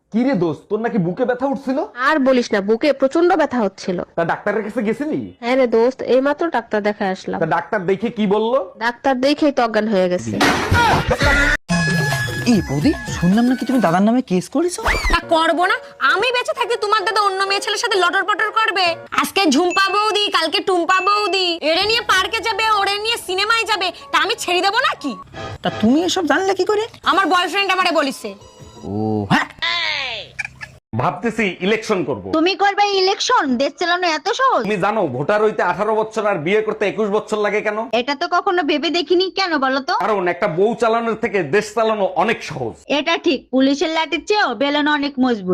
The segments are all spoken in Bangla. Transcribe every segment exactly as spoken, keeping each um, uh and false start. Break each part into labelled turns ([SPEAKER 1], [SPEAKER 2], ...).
[SPEAKER 1] কি রে দোস্ত, তোর নাকি বুকে ব্যথা উঠছিল?
[SPEAKER 2] আর বলিস না, বুকে প্রচন্ড ব্যথা হচ্ছিল।
[SPEAKER 1] তা ডাক্তারের কাছে গেছিলি?
[SPEAKER 2] হ্যাঁ রে দোস্ত, এইমাত্র ডাক্তার দেখায় আসলাম।
[SPEAKER 1] তা ডাক্তার দেখে কি বললো?
[SPEAKER 2] ডাক্তার দেখেই তো অজ্ঞান হয়ে গেছে।
[SPEAKER 3] এই বৌদি, শুনলাম নাকি তুমি দাদার নামে কেস করেছো?
[SPEAKER 4] তা করবো না? আমি বেঁচে থাকতে তোমার দাদা অন্য মেয়ে ছেলের সাথে লটর পটর করবে? আজকে ঝুম্পা বৌদি, কালকে টুম্পা বৌদি, এরে নিয়ে পার্কে যাবে, ওরে নিয়ে সিনেমায় যাবে, তা আমি ছেড়ে দেবো নাকি?
[SPEAKER 3] তা তুমি এসব জানলে কি করে?
[SPEAKER 4] আমার বয়ফ্রেন্ড আমারে বলিছে।
[SPEAKER 3] ও হ্যাঁ,
[SPEAKER 1] ভাবতেছি ইলেকশন করব।
[SPEAKER 5] তুমি করবে ইলেকশন? দেশ চালানো এত সহজ?
[SPEAKER 1] তুমি জানো ভোটার হইতে আঠারো বছর আর বিয়ে করতে একুশ বছর লাগে কেন?
[SPEAKER 5] এটা তো কখনো ভেবে দেখিনি। কেন বলো তো?
[SPEAKER 1] কারণ একটা বউ চালানোর থেকে দেশ চালানো অনেক সহজ।
[SPEAKER 5] এটা ঠিক, পুলিশের লাঠির চেয়েও বেলন অনেক মজবুত।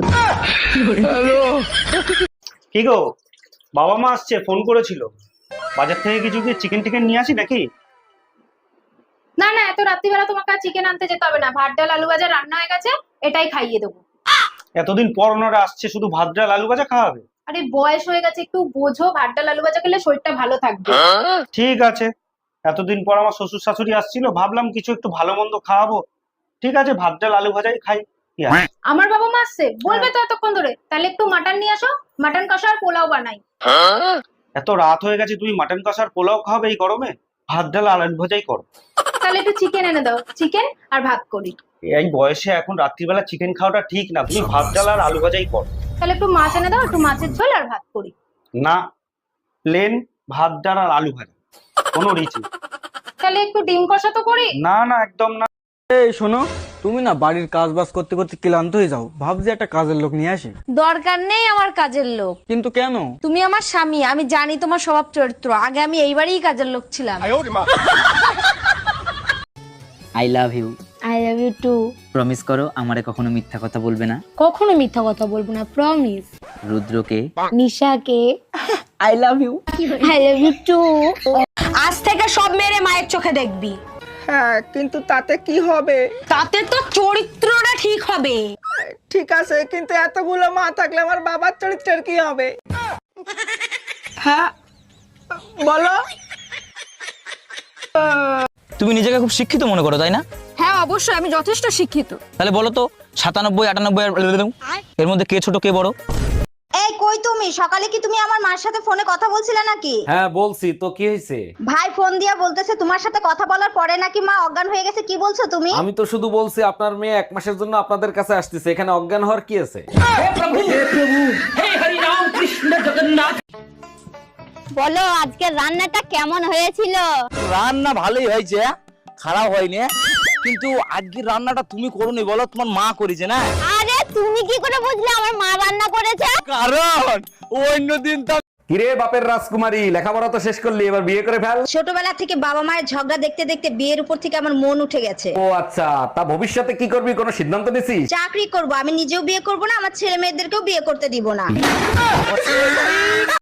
[SPEAKER 6] কি গো, বাবা মা আসছে, ফোন করেছিল। বাজার থেকে কিছু কি চিকেন টিকেন নিয়ে আসি নাকি?
[SPEAKER 7] না না, এত রাত্রিবেলা তোমাকে আর চিকেন আনতে যেতে হবে না। ভাত ডাল আলু ভাজা রান্না হয়ে গেছে, এটাই খাইয়ে দেবো।
[SPEAKER 6] এতদিন পর ওনারা আসছে, শুধু ভাত ডাল আলু ভাজা খাওয়াবে?
[SPEAKER 7] আরে বয়স হয়ে গেছে, একটু বোঝো। ভাত ডাল আলু ভাজা খেলে শরীরটা ভালো থাকবে।
[SPEAKER 6] ঠিক আছে, এতদিন পর আমার শ্বশুর শাশুড়ি আসছিল, ভাবলাম কিছু একটু ভালো মন্দ খাওয়াবো। ঠিক আছে, ভাত ডাল আলু ভাজাই খাই। কি আছে?
[SPEAKER 7] আমার বাবা মা আসছে বলবে তো এতক্ষণ ধরে, তাহলে একটু মাটন নিয়ে আসো, মাটন কষা আর পোলাও বানাই।
[SPEAKER 6] এত রাত হয়ে গেছে, তুমি মাটন কষার পোলাও খাবে এই গরমে? ভাত ডাল আলু ভাজাই করো।
[SPEAKER 7] তাহলে একটু চিকেন এনে দাও, চিকেন আর ভাত করি।
[SPEAKER 6] এই বয়সে এখন রাত্রিবেলা চিকেন খাওয়াটা ঠিক না, তুমি ভাত ডাল আর আলু ভাজাই করো।
[SPEAKER 7] তাহলে একটু মাছ এনে দাও, একটু মাছের ঝোল আর ভাত করি।
[SPEAKER 6] না, প্লেন ভাত ডাল আর আলু ভাজা, কোনো রিচ নেই।
[SPEAKER 7] তাহলে একটু ডিম কষা তো করি।
[SPEAKER 6] না না, একদম না।
[SPEAKER 3] এই শোনো, তুমি না বাড়ির কাজ বাজ করতে করতে ক্লান্ত হয়ে যাও, ভাবছি একটা কাজের লোক নিয়ে আসি।
[SPEAKER 4] দরকার নেই আমার কাজের লোক।
[SPEAKER 3] কিন্তু কেন?
[SPEAKER 4] তুমি আমার স্বামী, আমি জানি তোমার স্বভাব চরিত্র। আগে আমি এইবারই কাজের লোক ছিলাম।
[SPEAKER 8] I love you.
[SPEAKER 4] I love you too.
[SPEAKER 8] Promise করো আমারে কখনো মিথ্যা কথা বলবে না।
[SPEAKER 4] কখনো মিথ্যা কথা বলবো না, প্রমিস।
[SPEAKER 8] রুদ্রকে,
[SPEAKER 4] নিশাকে
[SPEAKER 3] I love you.
[SPEAKER 4] I love you too. আজ থেকে সব মেরে মায়ের চোখে দেখবি।
[SPEAKER 3] হ্যাঁ, কিন্তু তাতে কি হবে?
[SPEAKER 4] তাতে তো চরিত্রটা ঠিক হবে।
[SPEAKER 3] ঠিক আছে, কিন্তু এতগুলো মা থাকলে আমার বাবার চরিত্রের কি হবে? হ্যাঁ বলো।
[SPEAKER 8] তুমি নিজেকে খুব শিক্ষিত মনে করো, তাই না?
[SPEAKER 4] হ্যাঁ অবশ্যই, আমি যথেষ্ট শিক্ষিত।
[SPEAKER 8] তাহলে বলো তো, সাতানব্বই আটানব্বই আর এর মধ্যে কে ছোট কে বড়?
[SPEAKER 5] এই কই তুমি? সকালে কি তুমি আমার মার সাথে ফোনে কথা বলছিলে নাকি?
[SPEAKER 1] হ্যাঁ বলছি তো, কি হয়েছে?
[SPEAKER 5] ভাই ফোন দিয়া বলতেছে তোমার সাথে কথা বলার পরে নাকি মা অজ্ঞান হয়ে গেছে। কি বলছো তুমি?
[SPEAKER 1] আমি তো শুধু বলছি আপনার মেয়ে এক মাসের জন্য আপনাদের কাছে আসতেছে, এখানে অজ্ঞান হওয়ার কি আছে?
[SPEAKER 5] বলো আজকে রান্নাটা কেমন হয়েছিল?
[SPEAKER 3] রান্না ভালোই হয়েছে, খারাপ হয়নি। কিন্তু আজকে রান্নাটা তুমি করোনি, বলো তোমার মা করেছে না?
[SPEAKER 5] আরে তুমি কি করে বুঝলে আমার মা রান্না করেছে?
[SPEAKER 3] কারণ অন্যদিন তো
[SPEAKER 1] কিরে বাপের রাজকুমারী, লেখাপড়া তো শেষ করলি, এবার বিয়ে করে ফেল।
[SPEAKER 5] ছোটবেলা থেকে বাবা মায়ের ঝগড়া দেখতে দেখতে বিয়ের উপর থেকে আমার মন উঠে গেছে।
[SPEAKER 1] ও আচ্ছা, তা ভবিষ্যতে কি করবি, কোনো সিদ্ধান্ত নিছিস?
[SPEAKER 5] চাকরি করব, আমি নিজেও বিয়ে করব না, আমার ছেলে মেয়েদেরকেও বিয়ে করতে দিব না।